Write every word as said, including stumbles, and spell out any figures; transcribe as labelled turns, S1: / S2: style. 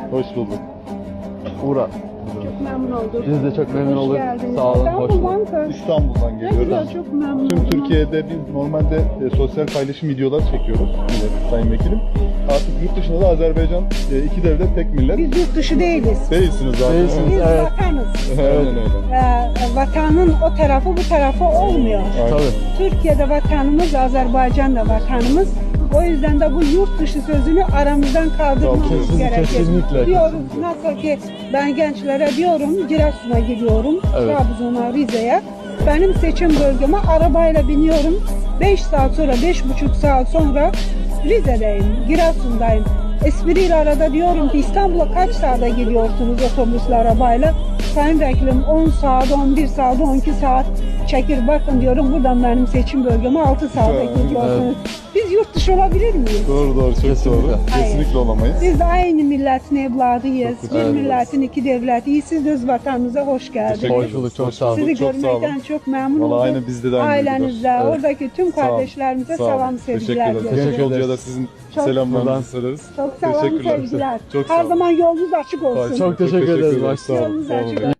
S1: Hoş bulduk.
S2: Uğra.
S3: Çok memnun olduk.
S2: Biz de çok memnun
S3: Hoş
S2: olduk.
S3: geldiniz.
S2: Sağ olun, hoş
S3: İstanbul'dan
S2: bulduk.
S3: mı?
S1: İstanbul'dan
S3: Ne
S1: geliyoruz.
S3: güzel, çok memnun
S1: Tüm
S3: oldum.
S1: Türkiye'de biz normalde e, sosyal paylaşım videolar çekiyoruz. Evet, Sayın Vekilim. Artık yurt dışında da Azerbaycan e, iki devlet tek millet.
S3: Biz yurt dışı değiliz.
S1: Değilsiniz zaten.
S2: Değilsiniz.
S3: Biz
S2: Evet.
S3: vatanız.
S1: Aynen öyle.
S3: Ee, vatanın o tarafı bu tarafı olmuyor.
S1: Aynen.
S2: Tabii.
S3: Türkiye'de vatanımız, Azerbaycan'da vatanımız. O yüzden de bu yurt dışı sözünü aramızdan kaldırmamız
S1: Kesin-
S3: gerekir.
S2: kesinlikle,
S3: Diyoruz
S2: kesinlikle.
S3: nasıl ki ben gençlere diyorum Giresun'a gidiyorum,
S2: Evet.
S3: Trabzon'a, Rize'ye. Benim seçim bölgeme arabayla biniyorum. beş saat sonra, beş buçuk saat sonra Rize'deyim, Giresun'dayım. Espriyle arada diyorum ki İstanbul'a kaç saate gidiyorsunuz otobüsle, arabayla? Sayın Vekilim on saat, on bir saat, on iki saat çekir. Bakın diyorum buradan benim seçim bölgeme altı saate
S1: Evet.
S3: gidiyorsunuz. Biz yurt dışı olabilir miyiz?
S1: Doğru doğru, çok
S2: Kesinlikle.
S1: doğru.
S3: Hayır.
S1: Kesinlikle olamayız.
S3: Biz de aynı milletin evladıyız. Bir
S2: Evet.
S3: milletin iki devletiyiz. Siz de öz vatanınıza hoş geldiniz.
S1: Teşekkür
S2: Hoş
S1: ederiz.
S2: bulduk, çok sağ olun.
S3: Sizi
S1: Çok sağ olun.
S3: görmekten çok memnun
S1: Vallahi
S3: oldum.
S1: aynı bizde de aynı
S3: Ailenizle,
S2: Evet.
S3: oradaki tüm
S1: Sağ olun.
S3: kardeşlerimize
S1: Sağ olun.
S3: selam,
S1: Teşekkür
S3: sevgiler
S1: ederiz.
S3: dilerim.
S1: Genç yolcuya da sizin
S3: Çok-
S1: selamlarınızı söyleriz.
S3: Çok selam,
S1: Teşekkürler.
S3: sevgiler.
S1: Çok sağ
S3: Her
S1: olun.
S3: zaman yolunuz açık olsun.
S2: Çok teşekkür ederiz.
S1: Sağ olun.
S3: Yolunuz
S1: Sağ olun.
S3: açık olsun.